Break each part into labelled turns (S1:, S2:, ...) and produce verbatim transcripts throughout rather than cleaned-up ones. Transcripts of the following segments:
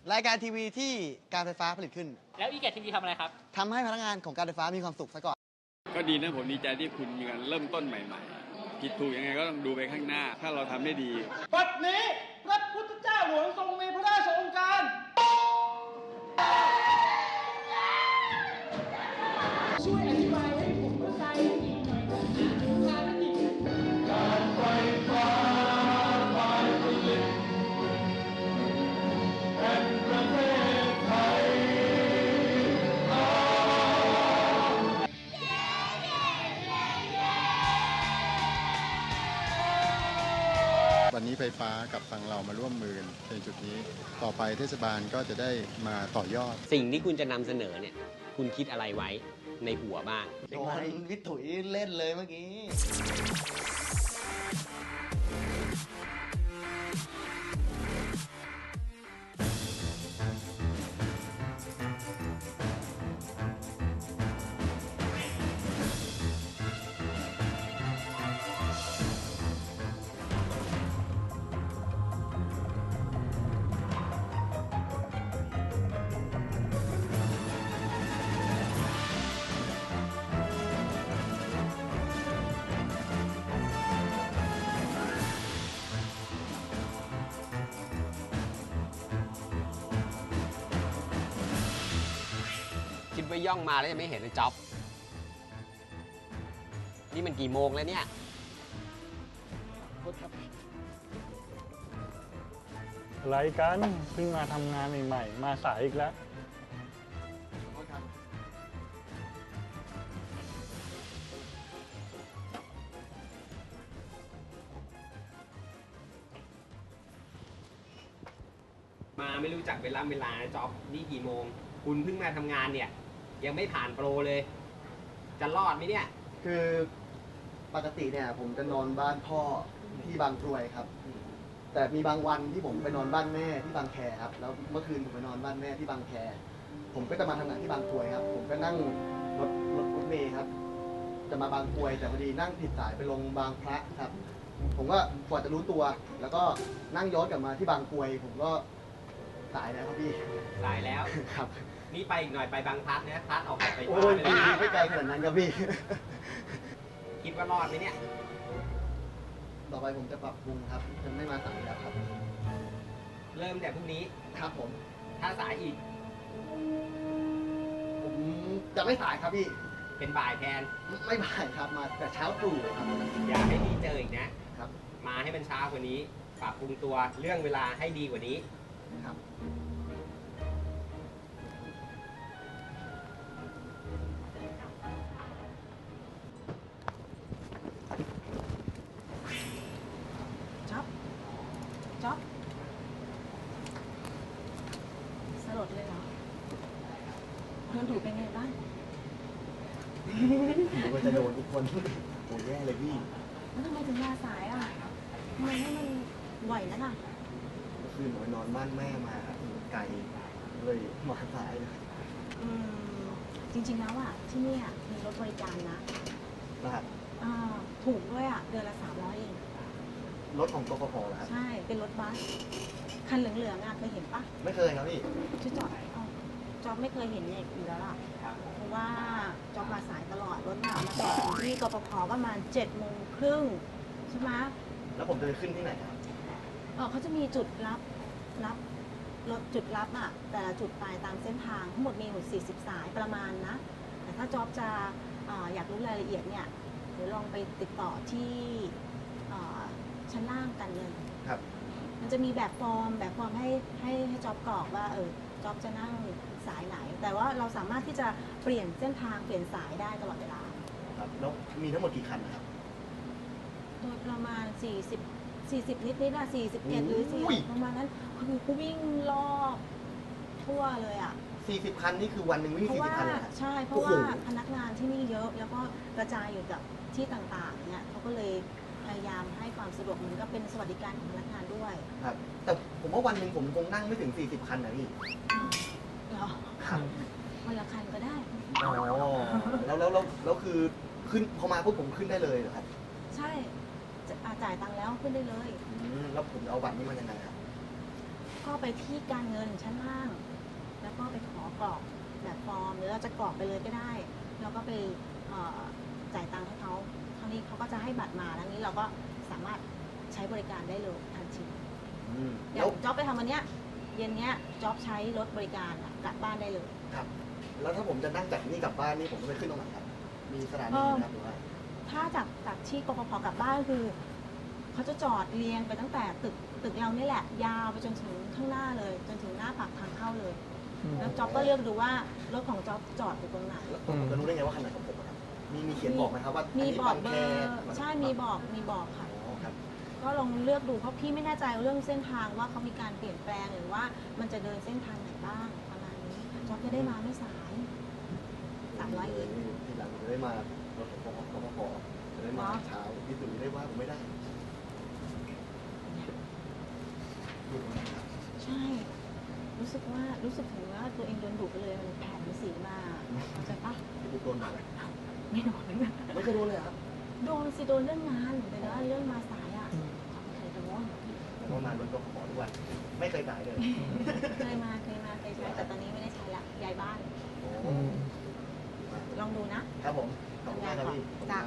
S1: รายการทีวีที่การไฟฟ้าผลิตขึ้น
S2: แล้วอีแกทีวีทำอะไรครับ
S1: ทำให้พนักงานของการไฟฟ้ามีความสุขซะก่อน
S3: ก็ดีนะผมดีใจที่คุณมีการเริ่มต้นใหม่ๆผิดถูกยังไงก็ต้องดูไปข้างหน้าถ้าเราทำได้ดี
S4: บัดนี้พระพุทธเจ้าหลวงทรงมีพระราชโองการช่วยอธิบายให้ผมเข้าใจอีกหน่อยนะภารกิจการไฟฟ้าฝ่ายผลิตแห่งประเทศไทย
S5: วันนี้ไฟฟ้ากับทางเรามาร่วมมือในจุดนี้ต่อไปเทศบาลก็จะได้มาต่อยอด
S6: สิ่งที่คุณจะนำเสนอเนี่ยคุณคิดอะไรไว้ในหัวบ้าง
S1: โดนวิถุยเล่นเลยเมื่อกี้
S6: คิดว่าย่องมาแล้วจะไม่เห็นเลยจ๊อบนี่มันกี่โมงแล้วเนี่ย
S7: อะไรกันเพิ่งมาทำงานใหม่ๆมาสายอีกแล้ว
S6: มาไม่รู้จักเวลาเวลาจ๊อบนี่กี่โมงคุณเพิ่งมาทำงานเนี่ยยังไม่ผ่านโปรเลยจะรอดไหมเนี่ย
S1: คือปกติเนี่ยผมจะนอนบ้านพ่อที่บางกรวยครับแต่มีบางวันที่ผมไปนอนบ้านแม่ที่บางแคครับแล้วเมื่อคืนผมไปนอนบ้านแม่ที่บางแคผมก็จะมาทำงานที่บางกรวยครับผมก็นั่งรถรถรถเมล์ครับจะมาบางกรวยแต่พอดีนั่งผิดสายไปลงบางพระครับผมก็กว่าจะรู้ตัวแล้วก็นั่งย้อนกลับมาที่บางกรวยผมก็สายแล้วครับพี่
S6: สายแล้ว
S1: ครับ
S6: นี่ไปอีกหน่อยไปบางพลัดนะพลัดออกไป
S1: โอ้ยไม่ไกลขนาดนั้นครับพี่
S6: คิดว่ารอดไหมเนี่ย
S1: ต่อไปผมจะปรับปรุงครับจะไม่มาสายแล้วครับ
S6: เริ่มแต่พรุ่งนี้
S1: ครับผม
S6: ถ้าสายอีก
S1: ผมจะไม่สายครับพี่
S6: เป็นบ่ายแทน
S1: ไม่บ่ายครับมาแต่เช้าตรู่ครับ
S6: อย่าให้พี่เจออีกนะครับมาให้มันช้ากว่านี้ปรับปรุงตัวเรื่องเวลาให้ดีกว่านี้
S1: ครับ
S8: จ๊อบจ๊อบสลดเลยเหรอเพื่อนถูกเป็นไงบ้าง
S1: ผมก็จะโดนทุกคนโอ้แย่เลยพี่
S8: แล้วทำไมถึงมาสายอ่ะทำไมให้มันไหวนักอ่ะ
S1: เมื่อคืนผมไปนอนบ้านแม่มาไกลเลยมาสายเลย
S8: อืมจริงๆแล้วอ่ะที่นี่มีรถบริการนะครับอ่าถูกด้วยอ่ะเดือนละสามร้อยเอง
S1: รถของกฟผเหรอครับ
S8: ใช่เป็นรถบัสคันเหลืองๆอ่ะเคยเห็นปะ
S1: ไม่เคยครับพี่
S8: ชื่อจอดอ๋อจอบไม่เคยเห็นเนี่ยอยู่แล้วล่ะเพราะว่าจอบมาสายตลอดรถน่ะมาจอดถึงที่กฟผประมาณเจ็ดโมงครึ่งใช่ไหม
S1: แล้วผมจะไปขึ้นที่ไหนครับ
S8: เออเขาจะมีจุดรับรับรถจุดรับอ่ะแต่ละจุดไปตามเส้นทางทั้งหมดมีหมดสี่สิบสายประมาณนะแต่ถ้าจอบจะออยากรู้รายละเอียดเนี่ยเดี๋ยวลองไปติดต่อที่ชั้นล่างกันเลย
S1: ครับ
S8: มันจะมีแบบฟอร์มแบบฟอร์มให้ให้ให้จอบกรอกว่าเออจอบจะนั่งสายไหนแต่ว่าเราสามารถที่จะเปลี่ยนเส้นทางเปลี่ยนสายได้ตลอดเวลา
S1: ครับแล้วมีทั้งหมดกี่คันนะครับ
S8: โดยประมาณสี่สิบ สี่สิบนิดนิดอะสี่สิบเอ็ดหรือสี่ประมาณนั้นคือกูวิ่งรอบทั่วเลยอะ
S1: สี่สิบคันนี่คือวันหนึ่งวิ่งสี่สิบคัน
S8: ใช่เพราะว่าพนักงานที่นี่เยอะแล้วก็กระจายอยู่กับที่ต่างๆเนี่ยเขาก็เลยพยายามให้ความสะดวกเหมือนกับเป็นสวัสดิการของพนักงานด้วย
S1: ครับแต่ผมว่าวันหนึ่งผมคงนั่งไม่ถึงสี่สิบคันนะพี่
S8: เหรอวันละคันก็ได้
S1: อ๋อแล้วแล้วแล้วคือขึ้นพอมาพวกผมขึ้นได้เลยเหรอครับ
S8: ใช่จ่ายตังค์แล้วขึ้นได้เลย
S1: แล้วผมเอาบัตรนี้มายังไงครับ
S8: ก็ไปที่การเงินชั้นล่าง แล้วก็ไปขอกรอกแบบฟอร์มหรือเราจะกรอกไปเลยก็ได้แล้วก็ไปเอ่อจ่ายตังค์ให้เขาคราวนี้เขาก็จะให้บัตรมาแล้วนี้เราก็สามารถใช้บริการได้เลยทันที
S1: อืม
S8: อ
S1: แล้
S8: ย่าว งจ๊อบไปทำวันเนี้ยเย็นเนี้ยจ๊อบใช้รถบริการอะกลับบ้านได้เลย
S1: ครับ แล้วถ้าผมจะนั่งจากนี่กลับบ้านนี่ผมต้องไปขึ้นตรงไหนครับ มีสถานีไหมครับหรือว่า
S8: ถ้าจากจากที่กฟผกลับบ้านก็คือเขาจะจอดเรียงไปตั้งแต่ตึกตึกเรานี่แหละ ยาวไปจนถึงข้างหน้าเลย จนถึงหน้าปากทางเข้าเลย แล้วจ๊อบก็เลือกดูว่ารถของจ๊อบจอดอยู่ตรงไหน
S1: แล้วผมจะรู้ได้ไงว่าคันไหนของผมอะครับ มีมีเขียนบอกไหมครับว่า
S8: มี
S1: นนี้
S8: บอกเบ
S1: แค
S8: อร์ใช่มีบอกมีบอกค่ะ
S1: อ๋อครับ
S8: ก็ลองเลือกดูเพราะพี่ไม่แน่ใจเรื่องเส้นทางว่าเขามีการเปลี่ยนแปลงหรือว่ามันจะเดินเส้นทางไหนบ้างประมาณนี้จ๊อบจะได้มาไม่สายสามร้อยเอง
S1: ทีหลังผมจะได้มารถของกฟผจะได้มาเช้าพี่ตุ๋ยได้ว่าผมไม่ได้ดูตรงนี้ครับ
S8: ใช่ รู้สึกว่ารู้สึกถึงว่าตัวเองโดนดุไปเลยมันแผ่นสีมาเข้าใจปะ
S1: พี่ตุ๊กโดนมาเลย
S8: ไม่โดนเลยนะ
S1: ไม่เคยโดนเลยครับ
S8: โดนสิโดนเรื่องงานแต่ว่าเรื่องมาสายอ่ะเคยโดน
S1: ผมว่ามารถกฟผทุกวันไม่เคยสายเลย
S8: เคยมาเคยมาเคยใช้แต่ตอนนี้ไม่ได้ใช้ละย้ายบ้าน
S1: โอ้
S8: ลองดูนะ
S1: ครับผมขอบคุณมากครับพี่
S8: จ้ะ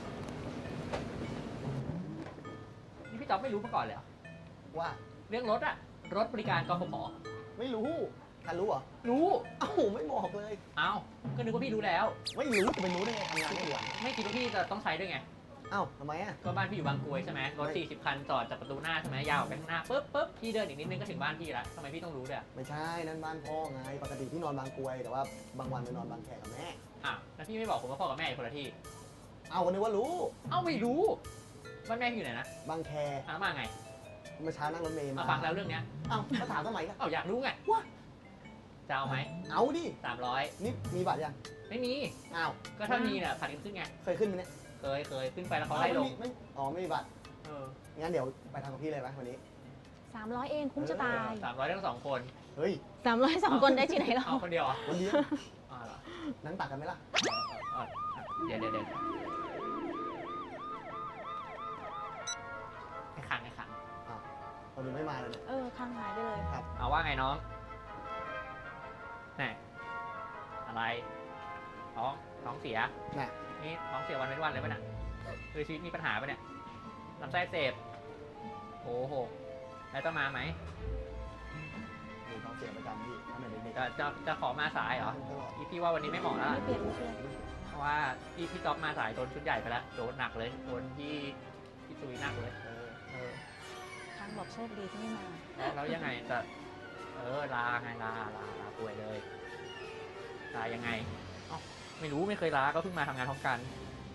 S2: นี่พี่จ๊อบไม่รู้มาก่อนเลยเหรอ
S1: ว่า
S2: เรื่องรถอะรถบริการกฟผ
S1: ไม่รู้ทันรู้เหรอ
S2: รู้
S1: เอ้าไม่บอกเลย
S2: เอ้าก็นึกว่าพี่รู้แล้ว
S1: ไม่รู้จะไปรู้ได้ไงทำงานไม่กี่วัน
S2: ไม่คิดว่าพี่จะต้องใช้ด้วยไง
S1: เอ้าทำไมอ่ะ
S2: ก็บ้านพี่อยู่บางกรวยใช่ไหมรถสี่สิบคันจอดจากประตูหน้าใช่ไหมยาวออกไปข้างหน้าปุ๊บปุ๊บพี่เดินอีกนิดนึงก็ถึงบ้านพี่แล้วทำไมพี่ต้องรู้ด้วยอะ
S1: ไม่ใช่นั่นบ้านพ่อไงปกติพี่นอนบางกรวย แต่ว่าบางวันไปนอนบางแคกับแม่
S2: อ่ะแล้วพี่ไม่บอกผมว่าพ่อกับแม่อยู่คนละที่
S1: เอ้าวันนี้ว่ารู้
S2: เอ้าไม่รู้บ้านแม่พี่อยู่ไหนนะ
S1: บางแค
S2: อ่ะแล้วมาไง
S1: เมื่อเช้านั่งรถเมล์มา
S2: มาฟังแล้วเรื่องเนี้ย
S1: เอ้าก็ถามทำไมล่ะ
S2: เอ้าอยากรู้ไง
S1: ว่า
S2: จะเอาไหม
S1: เอาดิ
S2: สามร้อย
S1: นี่มีบัตรยัง
S2: ไม่มี
S1: อ้าว
S2: ก็ถ้ามีเนี่ยผัดกันขึ้นไง
S1: เคยขึ้นไหมเนี่ย
S2: เคยเคยขึ้นไปแล้วเขาไล่ลง
S1: ไม่ไม่อ๋อไม่มีบัตร
S2: เออ
S1: งั้นเดี๋ยวไปทำกับพี่เลยไหมวันนี้
S8: สามร้อยเองคุ้มจะตาย
S2: สามร้อยทั้งสองคน
S1: เฮ้ย
S8: สามร้อยสองคนได้ที่ไหนเรา
S2: เอาคนเดียวเหรอ
S1: วันนี้
S2: อ๋อเหรอ
S1: นั่งตักกันไหมล่ะ
S2: เออเออเดี๋ยวเดี๋ยวเดี๋ยวไอ้ขังไอ้ขัง
S1: อ้าวตอนนี้ไม่มาเลยเนี่ย
S8: เออค้างหายไปเลย
S1: ครับ
S2: เอาว่าไงน้องแน่อะไรท้องท้องเสีย
S1: น่ะ
S2: นี่ท้องเสียวันเป็นวันเลยป่ะเนี่ยคือชีวิตมีปัญหาป่ะเนี่ยลำไส้อักเสพโอ้โหแล้วต้องมาไหม
S1: ดูท้องเสียประจำพี่ทำไมเด็กๆ
S2: จะจะจะขอมาสายเหรอ
S1: ตลอด
S2: พี่พี่ว่าวันนี้ไม่เหมาะแล้ว
S8: ไม่เปลี่ยนไม่เปลี่ยน
S2: เพราะว่าพี่พี่จ๊อบมาสายโดนชุดใหญ่ไปแล้วโดนหนักเลยโดนพี่พี่ตุยหนักเลย
S1: เออ
S2: เออ
S8: ค้างบอกโชคดีที่ไม่มา
S2: แล้วแล้วยังไงจะเออลาไงลาลาลาป่วยเลยลายังไงเอ้าไม่รู้ไม่เคยลาก็เพิ่งมาทำงานพร้อมกัน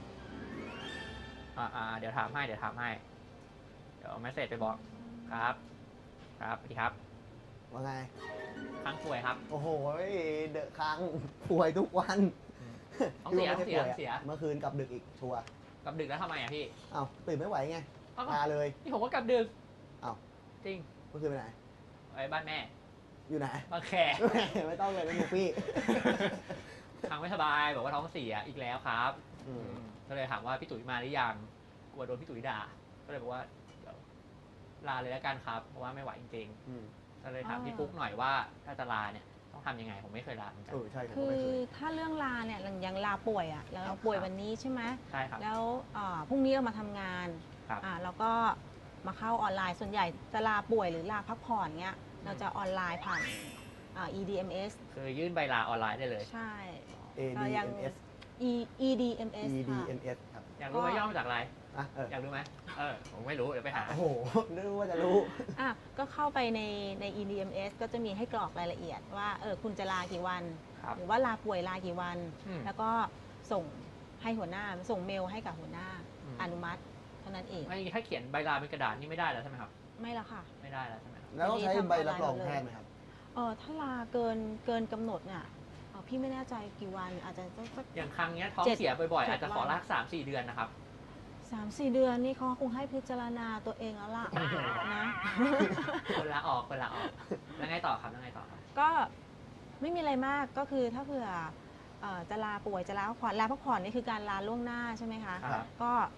S2: อ่าอ่าเดี๋ยวถามให้เดี๋ยวถามให้เดี๋ยวเอาเมสเซจไปบอกครับ ครับสวัสดีครับ
S1: ว่าไง
S2: ค้างป่วยครับ
S1: โอ้โหเดอะค้างป่วยทุกวัน
S2: ท้องเสีย
S1: พี่
S2: ท้องเสีย
S1: ว่าไม่ได้ป่ว
S2: เสีย
S1: เมื่อคืนกลับดึกอีกชัวร์
S2: กลับดึกแล้วทำไมอ่ะพี่
S1: เอ้าตื่นไม่ไหวไง
S2: เอ้า
S1: พาเลย
S2: นี่ผมก็กลับดึก
S1: เอ้า
S2: จริง
S1: เมื่อคืนไปไหน
S2: ไว้บ้านแม่
S1: อยู่ไหน
S2: บางแข
S1: ไม่ต้องเลยไม่อยู่พี่
S2: ทางไม่สบายบอกว่าท้องเสียอีกแล้วครับ
S1: อืม
S2: ก็เลยถามว่าพี่ตุ๋ยมาหรือยังกลัวโดนพี่ตุ๋ยด่า ก็เลยบอกว่าเดี๋ยวลาเลยแล้วกันครับเพราะว่าไม่ไหวจริง
S1: อืม
S2: ๆก็เลยถามพี่ปุ๊กหน่อยว่าถ้าจะลาเนี่ยต้องทำยังไงผมไม่เคยลาเหมือนกัน
S1: เออใช่ผม
S8: คื
S1: ก็
S8: อ
S1: ไม่เคย
S8: ถ้าเรื่องลาเนี่ยอย่างลาป่วยอ่ะแล้ว
S1: ครั
S8: เรา
S1: บ
S8: ป่วยวันนี้ใช่ไหม
S2: ใช่ครับ
S8: แล้วอ่าพรุ่งนี้เรามาทำงาน
S2: ครับ
S8: อ่าแล้วก็มาเข้าออนไลน์ส่วนใหญ่จะลาป่วยหรือลาพักผ่อนเงี้ยเราจะออนไลน์ผ่านอ่า อี ดี เอ็ม เอส
S2: คือยื่นใบลาออนไลน์ได้เลย
S8: ใช่
S1: A
S8: ก็
S1: D
S8: ยัง
S1: M S
S8: E E D M S
S1: E D
S8: ค่ะ
S1: M S ครับ
S2: อยากรู้ไหม
S8: ก็
S2: ย่อมาจากอะไร
S1: อ่ะเออ
S2: อยากรู้ไหมเออผมไม่รู้เดี๋ยวไปหา
S1: โอ้โหนึกว่าจะรู้
S8: อ่ะก็เข้าไปในใน อี ดี เอ็ม เอส ก็จะมีให้กรอกรายละเอียดว่าเออคุณจะลากี่วัน
S2: ครับ
S8: หรือว่าลาป่วยลากี่วัน
S2: อืม
S8: แล้วก็ส่งให้หัวหน้าส่งเมลให้กับหัวหน้า
S2: อืม
S8: อนุมัติเท่านั้นเอง
S2: ไม่ถ้าเขียนใบลาเป็นกระดาษนี่ไม่ได้แล้วใช่ไหมครับ
S8: ไม่ละค่ะ
S2: ไม่ได้แล้วใช่ไหมครับ
S1: แล้วต้องใช้ใบรับรองแพทย์ไหมครับ
S8: เออถ้าลาเกินเกินกำหนดเนี่ยเอ่อพี่ไม่แน่ใจกี่วันอาจจะต้องสัก
S2: อย่างครั้งเนี้ยท้อง
S8: เจ็ด
S2: เสียบ่อยๆ
S8: เจ็ด
S2: อาจจะขอ
S8: วัน
S2: ลากสามสี่เดือนนะครับ
S8: สามสี่เดือนนี่เขาคงให้พิจารณาตัวเองแล้วล่ะนะ
S2: คนละออกคนละออกแล้วไงต่อครับแล้วไงต่อครับ
S8: ก็ไม่มีอะไรมากก็คือถ้าเผื่อเอ่อจะลาป่วยจะลาพักผ่อนลาพักผ่อนนี่คือการลาล่วงหน้าใช่ไหมคะ
S2: ครับ
S8: ก็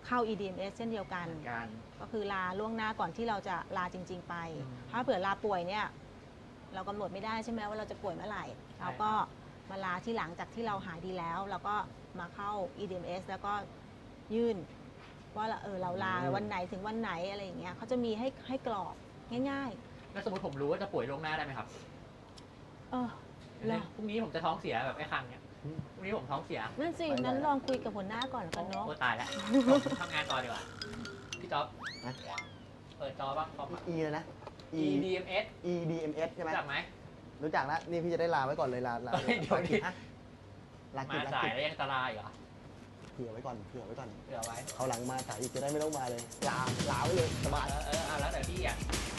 S8: เข้า อี ดี เอ็ม เอส เช่นเดียวกัน
S2: การ
S8: ก็คือลาล่วงหน้าก่อนที่เราจะลาจริง ๆ ไป
S2: อืม
S8: ถ้าเผื่อลาป่วยเนี่ยเรากำหนดไม่ได้ใช่ไหมว่าเราจะป่วยเมื่อไหร่
S2: ใช่
S8: เราก็มาลาที่หลังจากที่เราหายดีแล้วเราก็มาเข้า อี ดี เอ็ม เอส แล้วก็ยื่นว่าเราเออเราลา
S1: อืม
S8: วันไหนถึงวันไหนอะไรอย่างเงี้ยเขาจะมีให้ให้กรอกง่าย
S2: แล้วสมมติผมรู้ว่าจะป่วยล่วงหน้าได้ไหมครับ
S8: ๆ เออเหรอ
S2: พรุ่งนี้ผมจะท้องเสียแบบไอ้คังเนี่ยพรุ่งนี้ผมท้องเสีย
S8: นั่นสิ
S1: ไปไหน
S8: นั้นลองคุยกับหัวหน้าก่อนแล้วกันเนาะ
S2: โอ้ตายแล้วผมทำงานต่อดีกว่า พี่จ๊อบ
S1: นะ
S2: เปิดจอบ้างคอม
S1: E เลยนะ E
S2: E D M S
S1: E D M S ใช่ไหม
S2: รู้จักไหม
S1: รู้จักแล้วนี่พี่จะได้ลาไว้ก่อนเลยลาลา
S2: เฮ้ยเดี๋ยวดิ
S1: ฮะลากิ
S2: มา
S1: จลา
S2: สาย
S1: กิจ
S2: แล้วยังตารายเหรอ
S1: เผื่อไว้ก่อนเผื่อไว้ก่อน
S2: เผื่อไว้
S1: เขาวหลังมาสายอีกจะได้ไม่ต้องมาเลย ลาลาไว้เลยสบาย
S2: เออเออเอาแล้วแต่พี่อ่ะ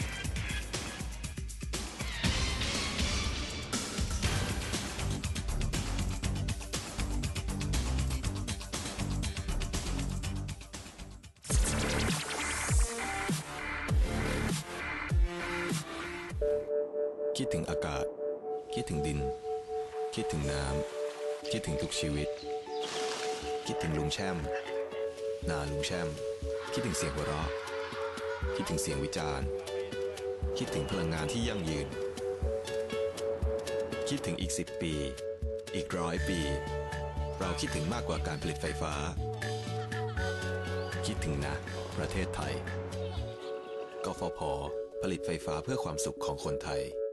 S9: คิดถึงอากาศ คิดถึงดิน คิดถึงน้ำ คิดถึงทุกชีวิต คิดถึงลุงแช่ม นาลุงแช่ม คิดถึงเสียงหัวเราะ คิดถึงเสียงวิจารณ์ คิดถึงพลังงานที่ยั่งยืน คิดถึงอีกสิบปี อีกร้อยปี เราคิดถึงมากกว่าการผลิตไฟฟ้า คิดถึงนะ ประเทศไทย กฟผ ผลิตไฟฟ้าเพื่อความสุขของคนไทย